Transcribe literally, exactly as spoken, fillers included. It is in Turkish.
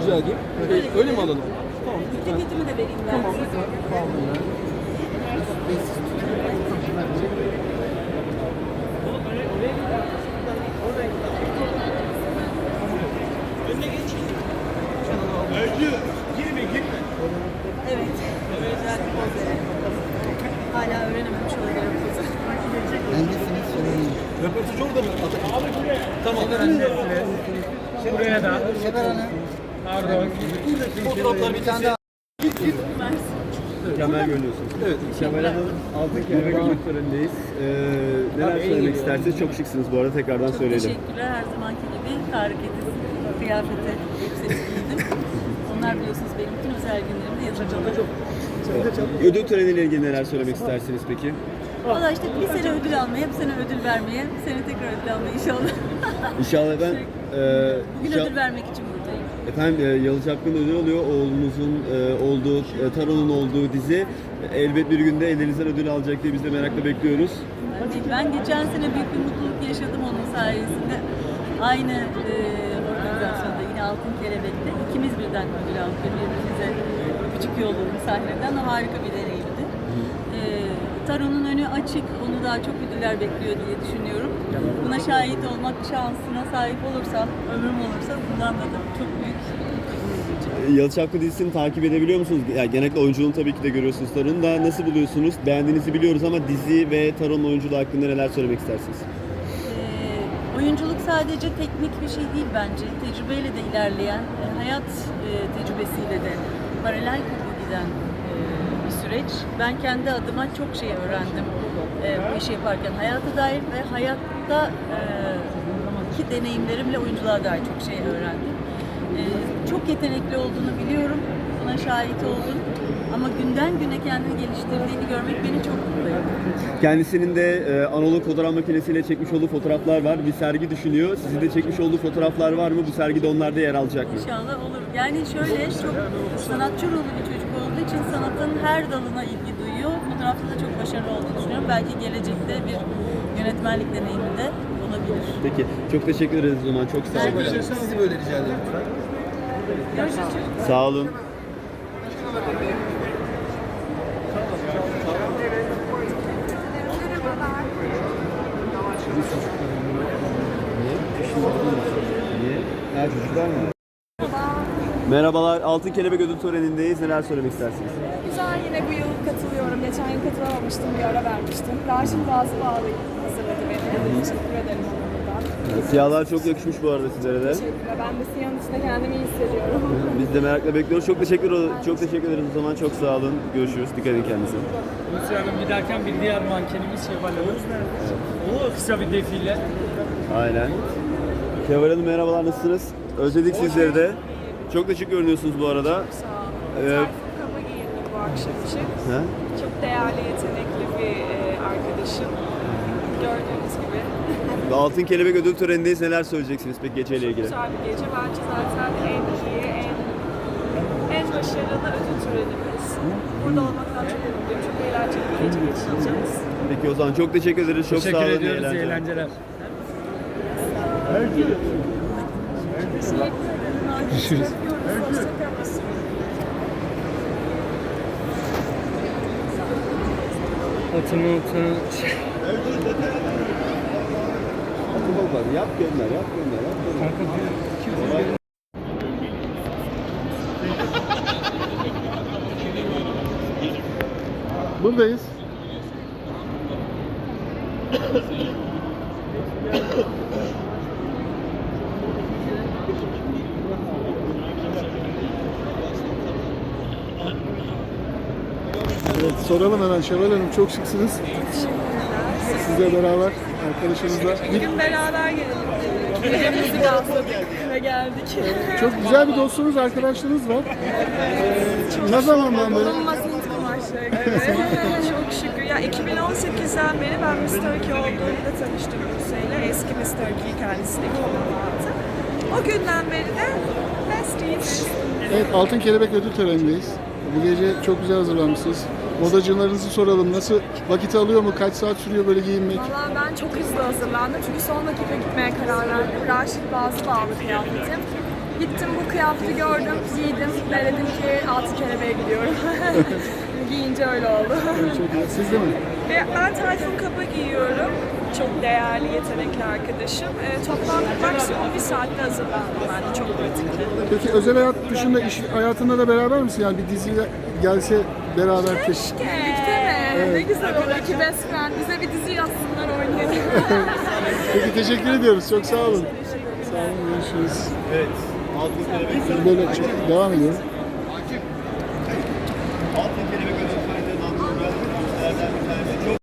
rica edeyim. Öyle, öyle mi alalım? Tamam. Ceketimi de vereyim ben. Tamam. Tamam. Evet. Güzel bir poz verelim. Hala öğrenememiş olabilirim pozu. Bendesiniz sorayım. Röportajı orada mı? Tamam. Buraya da. Şeber Hanım. Pardon. Fotoğraflar bir tane daha. Git git. Mükemmel görünüyorsunuz. Evet. Kemal Hanım altın kelebek ödül törenindeyiz. Ee, neler söylemek istersiniz? Çok şıksınız bu arada, tekrardan Çok söyleyelim. teşekkürler. Her zamanki gibi hareketi, kıyafete, elbisesi giydim. Onlar biliyorsunuz benim bütün özel günlerimde yatırımda. Ödül töreniyle ilgili neler söylemek istersiniz peki? Valla işte bir sene ödül almaya, bir sene ödül vermeye, bir sene tekrar ödül almaya inşallah. İnşallah ben... E, Bugün inşa- ödül vermek için buradayım. Efendim e, Yalı Çapkın ödül oluyor. Oğlunuzun e, olduğu, e, Taron'un olduğu dizi elbet bir günde ellerinizden ödül alacak diye biz de merakla bekliyoruz. Ben, ben geçen sene büyük bir mutluluk yaşadım onun sayesinde. Aynı e, organizasyonda yine Altın Kelebek'te ikimiz birden ödül aldık. Birbirimize küçük yolladım sahneden ama harika bir deneyimdi. E, Taron'un önü açık, onu daha çok ödüller bekliyor diye düşünüyorum. Buna şahit olmak şansına sahip olursam, ömrüm olursa bundan da çok büyük. Yalı Çapkın dizisini takip edebiliyor musunuz? Yani genellikle oyunculuğunu tabii ki de görüyorsunuz Taron'un da. Nasıl buluyorsunuz? Beğendiğinizi biliyoruz ama dizi ve Taron'un oyunculuğu hakkında neler söylemek istersiniz? Ee, oyunculuk sadece teknik bir şey değil bence. Tecrübeyle de ilerleyen, e, hayat e, tecrübesiyle de paralel giden e, bir süreç. Ben kendi adıma çok şey öğrendim e, bu işi yaparken. Hayata dair ve hayatta e, ki deneyimlerimle oyunculuğa dair çok şey öğrendim. E, çok yetenekli olduğunu biliyorum. Buna şahit oldum. Ama günden güne kendini geliştirdiğini görmek beni çok mutlu ediyor. Kendisinin de e, analog fotoğraf makinesiyle çekmiş olduğu fotoğraflar var. Bir sergi düşünüyor. Sizin de çekmiş olduğu fotoğraflar var mı? Bu sergide onlar da yer alacak mı? İnşallah olur. Yani şöyle çok sanatçı ruhlu bir çocuk olduğu için sanatın her dalına ilgi duyuyor. Fotoğrafta da çok başarılı olduğunu düşünüyorum. Belki gelecekte bir yönetmenlik deneyimi de olabilir. Peki. Çok teşekkür ederiz o zaman. Çok sağ olun. Sizi böyle rica ederim. Görüşürüz. Sağ olun. Niye? Ha, çocuklar mı? Merhabalar. Altın Kelebek ödül törenindeyiz. Neler söylemek istersiniz? Güzel, yine bu yıl katılıyorum. Geçen yıl katılamamıştım, bir ara vermiştim. Raşit Bazı Bağlı hazırladı beni. Teşekkür ederim ona buradan. Siyahlar çok yakışmış bu arada sizlere de. Teşekkürler. Ben de siyahın içinde kendimi iyi hissediyorum. Biz de merakla bekliyoruz. Çok teşekkür çok teşekkür ederiz o zaman. Çok sağ olun. Görüşürüz. Dikkat edin kendinize. Hulusi Hanım giderken bir diğer mankenimiz Şevval Hanım. O kısa bir defile. Aynen. Kemal Hanım merhabalar, nasılsınız? Özledik sizleri de. Çok da şık görünüyorsunuz bu arada. Sağ olun. Evet. Tayfun Kaba giyindim bu akşam için. Ha? Çok değerli, yetenekli bir e, arkadaşım. Gördüğünüz gibi. Altın Kelebek ödül törenindeyiz. Neler söyleyeceksiniz peki geceyle ilgili? Güzel bir gece. Bence zaten en iyi, en, en başarılı ödül törenimiz. Burada olmaktan çok mutluyum. Çok eğlenceli bir gece geçireceğiz. Peki o zaman çok teşekkür ederiz. Çok sağ Teşekkür olun. iyi ediyoruz. İyi eğlenceler. eğlenceler. Görüşürüz. Atın atın. Yap gönder, yap gönder, yap gönder. Kanka bir Buradayız. Evet, soralım hemen Şevval Hanım, çok şıksınız. Sizle beraber, arkadaşınızla. Bugün beraber gelelim. Gecemizi gazladık ve geldik. Çok güzel bir dostunuz, arkadaşlarınız var. Ee, ne zamandan beri? Bulunmaz Hint kumaşları gibi. Çok şükür. Ya iki bin on sekizden beri ben mister Turkey olduğumda tanıştım Buse'yle. Eski mister Turkey kendisi de iki bin on altı. O günden beri de bestiyiz. Evet, Altın Kelebek ödül törenindeyiz. Bu gece çok güzel hazırlanmışsınız. Modacılarınızı soralım. Nasıl, vakit alıyor mu? Kaç saat sürüyor böyle giyinmek? Valla ben çok hızlı hazırlandım çünkü son dakika gitmeye karar verdim. Raşit Bazı bağlı kıyafetim. Gittim bu kıyafeti gördüm, giydim ve dedim ki altı kelebeğe gidiyorum. Giyince öyle oldu. Çok iyi. Siz de mi? Ve ben Tayfun Kaba giyiyorum. Çok değerli, yetenekli arkadaşım. E, toplam maksimum bir saatte hazırlandım ben de. Çok pratikli. Peki özel hayat dışında iş hayatında da beraber misin? Yani bir diziyle gelse beraber keş. Birlikte mi? Ne güzel olur ki best friend. Bize bir dizi yazsınlar oynayalım. Peki teşekkür ediyoruz. Çok sağ olun. Sağ olun. Görüşürüz. Evet. Altın kelebek Böyle devam ediyorum.